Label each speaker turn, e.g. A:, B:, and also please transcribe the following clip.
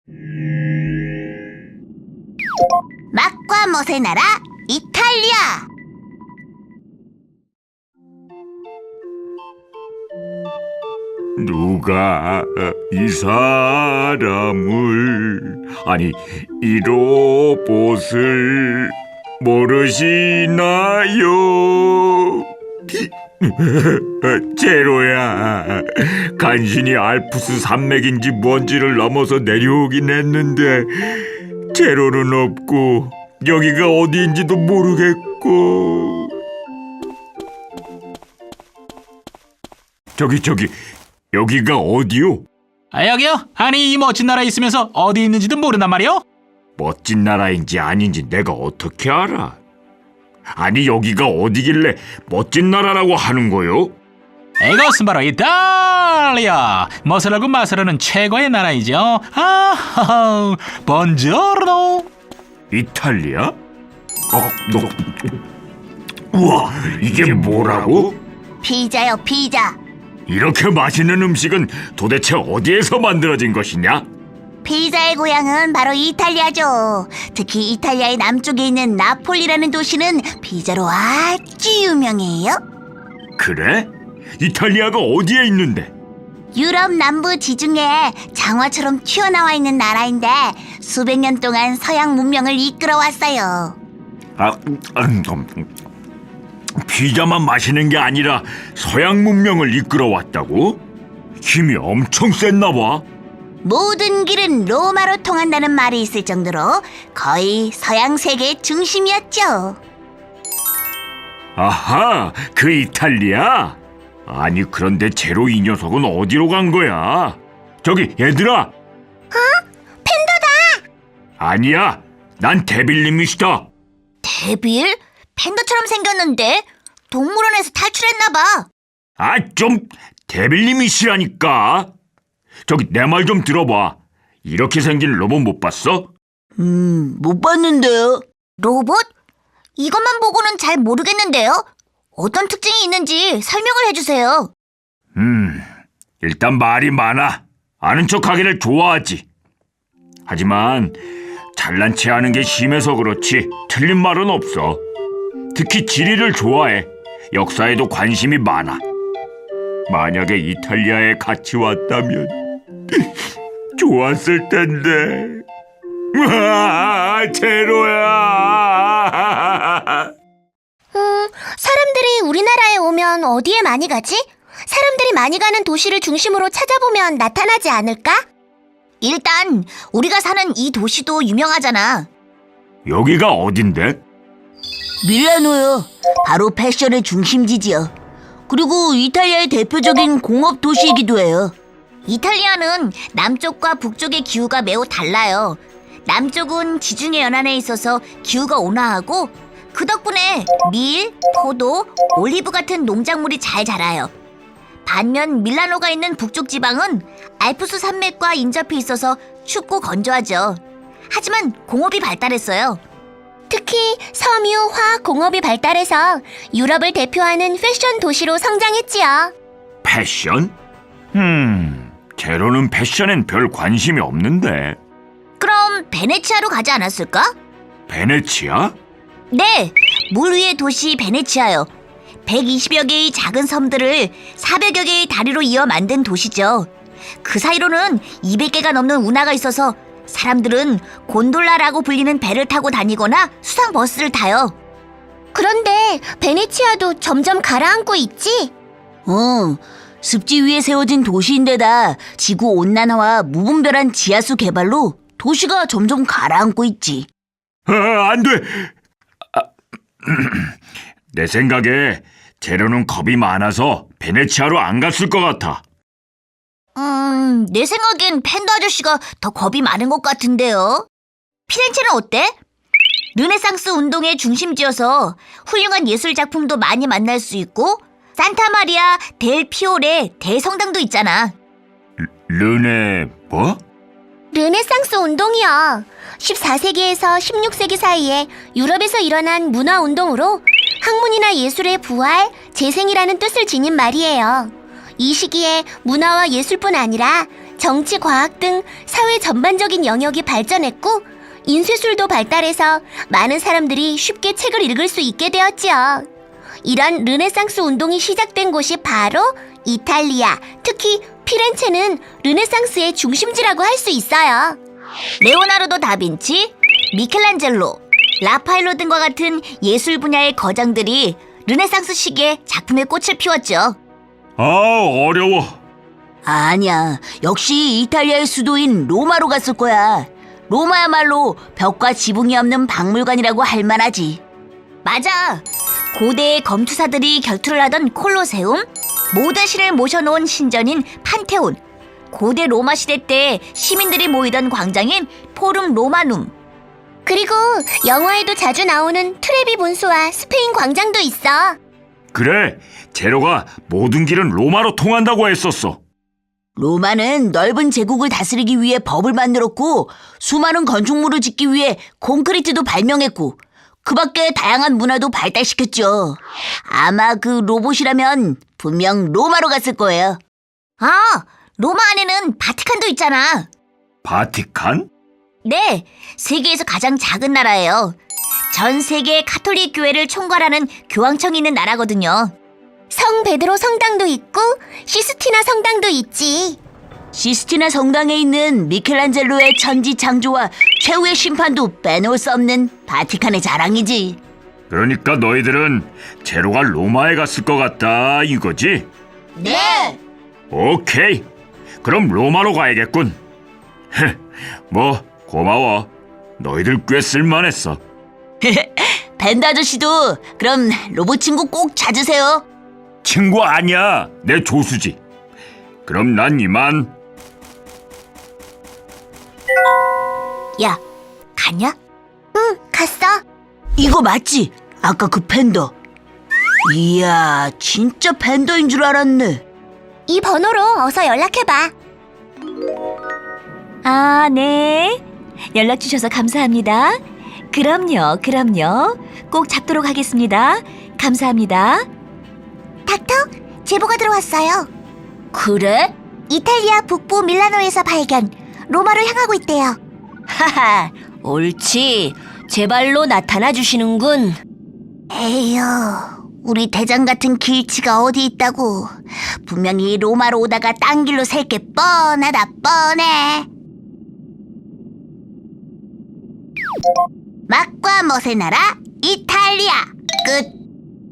A: 맛과 멋의 나라 이탈리아.
B: 누가 이 사람을, 아니 이 로봇을 모르시나요? 제로야, 간신히 알프스 산맥인지 뭔지를 넘어서 내려오긴 했는데 제로는 없고 여기가 어디인지도 모르겠고. 저기 여기가 어디요?
C: 여기요? 아니, 이 멋진 나라에 있으면서 어디 있는지도 모른단 말이요?
B: 멋진 나라인지 아닌지 내가 어떻게 알아? 아니 여기가 어디길래 멋진 나라라고 하는 거요?
C: 이것은 바로 이탈리아! 멋을 알고 맛을 아는 최고의 나라이죠. 아하하, 본지오르노.
B: 이탈리아? 우와, 이게 뭐라고?
A: 피자요, 피자.
B: 이렇게 맛있는 음식은 도대체 어디에서 만들어진 것이냐?
A: 피자의 고향은 바로 이탈리아죠. 특히 이탈리아의 남쪽에 있는 나폴리라는 도시는 피자로 아주 유명해요.
B: 그래? 이탈리아가 어디에 있는데?
A: 유럽 남부 지중해에 장화처럼 튀어나와 있는 나라인데 수백 년 동안 서양 문명을 이끌어왔어요.
B: 피자만 마시는 게 아니라 서양 문명을 이끌어왔다고? 힘이 엄청 셌나 봐.
A: 모든 길은 로마로 통한다는 말이 있을 정도로 거의 서양 세계의 중심이었죠.
B: 아하, 그 이탈리아? 아니 그런데 제로 이 녀석은 어디로 간 거야? 저기 얘들아!
A: 팬더다!
B: 아니야, 난 데빌님이시다.
A: 데빌? 팬더처럼 생겼는데 동물원에서 탈출했나 봐.
B: 아, 좀 데빌님이시라니까. 저기 내 말 좀 들어봐. 이렇게 생긴 로봇 못 봤어?
A: 못 봤는데요. 로봇? 이것만 보고는 잘 모르겠는데요. 어떤 특징이 있는지 설명을 해주세요.
B: 일단 말이 많아. 아는 척하기를 좋아하지. 하지만 잘난 체 하는 게 심해서 그렇지 틀린 말은 없어. 특히 지리를 좋아해. 역사에도 관심이 많아. 만약에 이탈리아에 같이 왔다면 좋았을 텐데. 제로야.
A: 사람들이 우리나라에 오면 어디에 많이 가지? 사람들이 많이 가는 도시를 중심으로 찾아보면 나타나지 않을까? 일단 우리가 사는 이 도시도 유명하잖아.
B: 여기가 어딘데?
A: 밀라노요. 바로 패션의 중심지지요. 그리고 이탈리아의 대표적인 공업 도시이기도 해요. 이탈리아는 남쪽과 북쪽의 기후가 매우 달라요. 남쪽은 지중해 연안에 있어서 기후가 온화하고 그 덕분에 밀, 포도, 올리브 같은 농작물이 잘 자라요. 반면 밀라노가 있는 북쪽 지방은 알프스 산맥과 인접해 있어서 춥고 건조하죠. 하지만 공업이 발달했어요. 특히 섬유 화학 공업이 발달해서 유럽을 대표하는 패션 도시로 성장했지요.
B: 패션? 제로는 패션엔 별 관심이 없는데.
A: 그럼 베네치아로 가지 않았을까?
B: 베네치아?
A: 네, 물 위의 도시 베네치아요. 120여 개의 작은 섬들을 400여 개의 다리로 이어 만든 도시죠. 그 사이로는 200개가 넘는 운하가 있어서 사람들은 곤돌라라고 불리는 배를 타고 다니거나 수상 버스를 타요. 그런데 베네치아도 점점 가라앉고 있지? 습지 위에 세워진 도시인데다 지구 온난화와 무분별한 지하수 개발로 도시가 점점 가라앉고 있지.
B: 안 돼! 내 생각에 제로는 겁이 많아서 베네치아로 안 갔을 것 같아.
A: 내 생각엔 팬더 아저씨가 더 겁이 많은 것 같은데요. 피렌체는 어때? 르네상스 운동의 중심지여서 훌륭한 예술 작품도 많이 만날 수 있고 산타 마리아 델 피오레 대성당도 있잖아.
B: 르네 뭐?
A: 르네상스 운동이요. 14세기에서 16세기 사이에 유럽에서 일어난 문화 운동으로 학문이나 예술의 부활, 재생이라는 뜻을 지닌 말이에요. 이 시기에 문화와 예술뿐 아니라
D: 정치, 과학 등 사회 전반적인 영역이 발전했고 인쇄술도 발달해서 많은 사람들이 쉽게 책을 읽을 수 있게 되었지요. 이런 르네상스 운동이 시작된 곳이 바로 이탈리아, 특히 피렌체는 르네상스의 중심지라고 할 수 있어요.
A: 레오나르도 다빈치, 미켈란젤로, 라파엘로 등과 같은 예술 분야의 거장들이 르네상스 시기에 작품의 꽃을 피웠죠.
B: 어려워.
A: 아니야, 역시 이탈리아의 수도인 로마로 갔을 거야. 로마야말로 벽과 지붕이 없는 박물관이라고 할 만하지. 맞아. 고대의 검투사들이 결투를 하던 콜로세움, 모든 신을 모셔놓은 신전인 판테온, 고대 로마 시대 때 시민들이 모이던 광장인 포rum 로마눔.
D: 그리고 영화에도 자주 나오는 트레비 분수와 스페인 광장도 있어.
B: 그래, 제로가 모든 길은 로마로 통한다고 했었어.
A: 로마는 넓은 제국을 다스리기 위해 법을 만들었고 수많은 건축물을 짓기 위해 콘크리트도 발명했고 그 밖에 다양한 문화도 발달시켰죠. 아마 그 로봇이라면 분명 로마로 갔을 거예요. 아, 로마 안에는 바티칸도 있잖아.
B: 바티칸?
A: 네, 세계에서 가장 작은 나라예요. 전 세계 카톨릭 교회를 총괄하는 교황청이 있는 나라거든요.
D: 성 베드로 성당도 있고 시스티나 성당도 있지.
A: 시스티나 성당에 있는 미켈란젤로의 천지 창조와 최후의 심판도 빼놓을 수 없는 바티칸의 자랑이지.
B: 그러니까 너희들은 제로가 로마에 갔을 것 같다 이거지?
A: 네.
B: 오케이. 그럼 로마로 가야겠군. 뭐 고마워. 너희들 꽤 쓸만했어.
A: 밴드 아저씨도 그럼 로봇 친구 꼭 찾으세요.
B: 친구 아니야. 내 조수지. 그럼 난 이만.
A: 야, 갔냐?
D: 응, 갔어.
A: 이거 맞지? 아까 그 팬더. 이야, 진짜 팬더인 줄 알았네.
D: 이 번호로 어서 연락해봐.
E: 아, 네. 연락 주셔서 감사합니다. 그럼요. 꼭 잡도록 하겠습니다. 감사합니다.
D: 닥터, 제보가 들어왔어요.
A: 그래?
D: 이탈리아 북부 밀라노에서 발견. 로마로 향하고 있대요.
A: 하하, 옳지. 제 발로 나타나 주시는군.
D: 에휴, 우리 대장 같은 길치가 어디 있다고. 분명히 로마로 오다가 딴 길로 셀 게 뻔하다 뻔해. 맛과 멋의 나라 이탈리아 끝.